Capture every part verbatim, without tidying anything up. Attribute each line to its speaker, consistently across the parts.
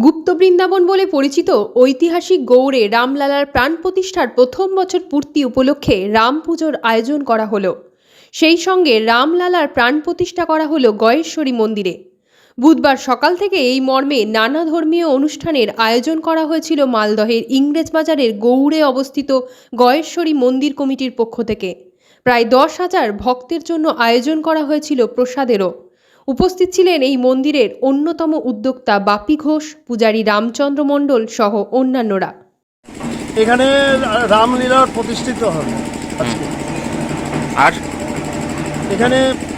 Speaker 1: গুপ্ত বৃন্দাবন বলে পরিচিত ঐতিহাসিক গৌড়ে রামলালার প্রাণ প্রতিষ্ঠার প্রথম বছর পূর্তি উপলক্ষে রাম পুজোর আয়োজন করা হলো। সেই সঙ্গে রামলালার প্রাণ প্রতিষ্ঠা করা হলো গয়েশ্বরী মন্দিরে। বুধবার সকাল থেকে এই মর্মে নানা ধর্মীয় অনুষ্ঠানের আয়োজন করা হয়েছিল মালদহের ইংরেজবাজারের গৌড়ে অবস্থিত গয়েশ্বরী মন্দির কমিটির পক্ষ থেকে। প্রায় দশ হাজার ভক্তের জন্য আয়োজন করা হয়েছিল প্রসাদেরও। উপস্থিত ছিলেন এই মন্দিরের অন্যতম উদ্যোক্তা বাপি ঘোষ, পূজারী রামচন্দ্র মণ্ডল সহ অন্যান্যরা।
Speaker 2: এখানে রামলীলা প্রতিষ্ঠিত হবে আর এখানে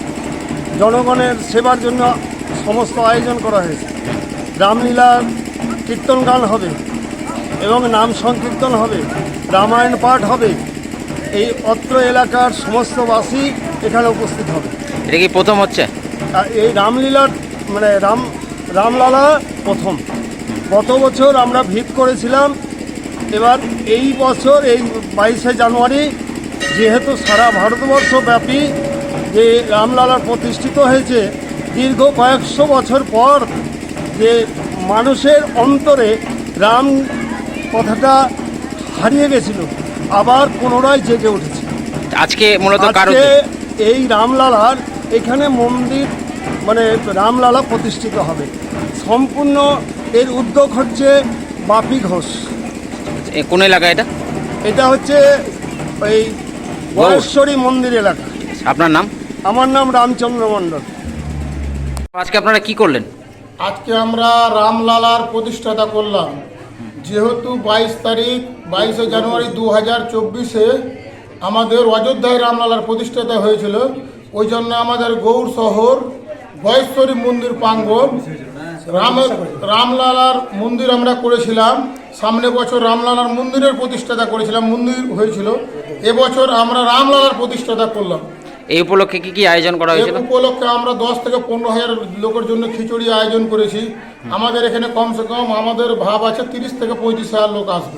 Speaker 2: জনগণের সেবার জন্য সমস্ত আয়োজন করা হয়েছে। রামলীলার কীর্তন গান হবে এবং নাম সংকীর্তন হবে, রামায়ণ পাঠ হবে। এই অত্র এলাকার সমস্ত বাসী এখানে উপস্থিত হবে।
Speaker 3: এটা কি প্রথম হচ্ছে?
Speaker 2: এই রামলীলার মানে রাম রামলালা প্রথম। গত বছর আমরা ভিত করেছিলাম, এবার এই বছর এই বাইশে জানুয়ারি যেহেতু সারা ভারতবর্ষ ব্যাপী যে রামলালা প্রতিষ্ঠিত হয়েছে, দীর্ঘ কয়েকশো বছর পর যে মানুষের অন্তরে রাম কথাটা হারিয়ে গেছিল, আবার পুনরায় জেগে উঠেছে।
Speaker 3: আজকে মূলত
Speaker 2: এই রামলালার এখানে মন্দির মানে রামলালা প্রতিষ্ঠিত হবে। সম্পূর্ণ এর উদ্যোগ হচ্ছে বাপি ঘোষ।
Speaker 3: কোন এলাকা এটা?
Speaker 2: এটা হচ্ছে ওই গয়েশ্বরী মন্দির এলাকা।
Speaker 3: আপনার নাম?
Speaker 2: আমার নাম রামচন্দ্র মণ্ডল।
Speaker 3: আজকে আপনারা কি করলেন?
Speaker 4: আজকে আমরা রামলালার প্রতিষ্ঠাতা করলাম। যেহেতু বাইশ তারিখ বাইশে জানুয়ারি দু হাজার চব্বিশে আমাদের অযোধ্যায় রামলালার প্রতিষ্ঠাতা হয়েছিল, ওই জন্য আমাদের গৌড় শহর গয়েশ্বরী মন্দির প্রাঙ্গণ রামের রামলালার মন্দির আমরা করেছিলাম। সামনে বছর রামলালার মন্দিরের প্রতিষ্ঠাতা করেছিলাম, মন্দির হয়েছিল। এবছর আমরা রামলালার প্রতিষ্ঠাতা করলাম।
Speaker 3: এই উপলক্ষে কি কি আয়োজন করা হয়েছিল?
Speaker 4: এই উপলক্ষে আমরা দশ থেকে পনেরো হাজার লোকের জন্য খিচুড়ি আয়োজন করেছি। আমাদের এখানে কমসে কম আমাদের ভাব আছে তিরিশ থেকে পঁয়ত্রিশ হাজার লোক আসবে।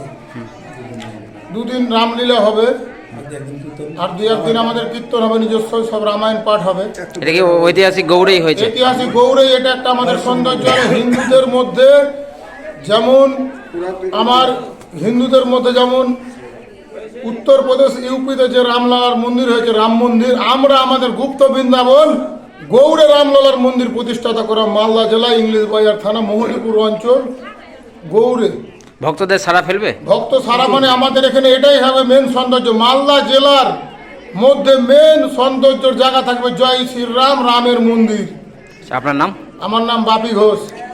Speaker 4: দুদিন রামলীলা হবে আর দুই একদিন আমাদের কীর্তন হবে, নিজস্ব সব রামায়ণ পাঠ হবে।
Speaker 3: এটা কি ঐতিহাসিক গৌড়েই হয়েছে?
Speaker 4: ঐতিহাসিক গৌড়েই এটা একটা আমাদের সৌন্দর্য। হিন্দুদের মধ্যে যেমন আমার হিন্দুদের মধ্যে যেমন উত্তরপ্রদেশ ইউপিতে যে রামলালার মন্দির হয়েছে রাম মন্দির, আমরা আমাদের গুপ্ত বৃন্দাবন গৌড়ে রামলালার মন্দির প্রতিষ্ঠাতা করা। মালদা জেলা ইংরেজবাজার থানা মোহনীপুর অঞ্চল গৌড়ে।
Speaker 3: ভক্তদের সারা ফেলবে?
Speaker 4: ভক্ত সারা মানে আমাদের এখানে এটাই হবে মেন সৌন্দর্য। মালদা জেলার মধ্যে মেন সৌন্দর্যের জায়গা থাকবে জয় শ্রীরাম রামের মন্দির।
Speaker 3: আপনার নাম?
Speaker 4: আমার নাম বাপি ঘোষ।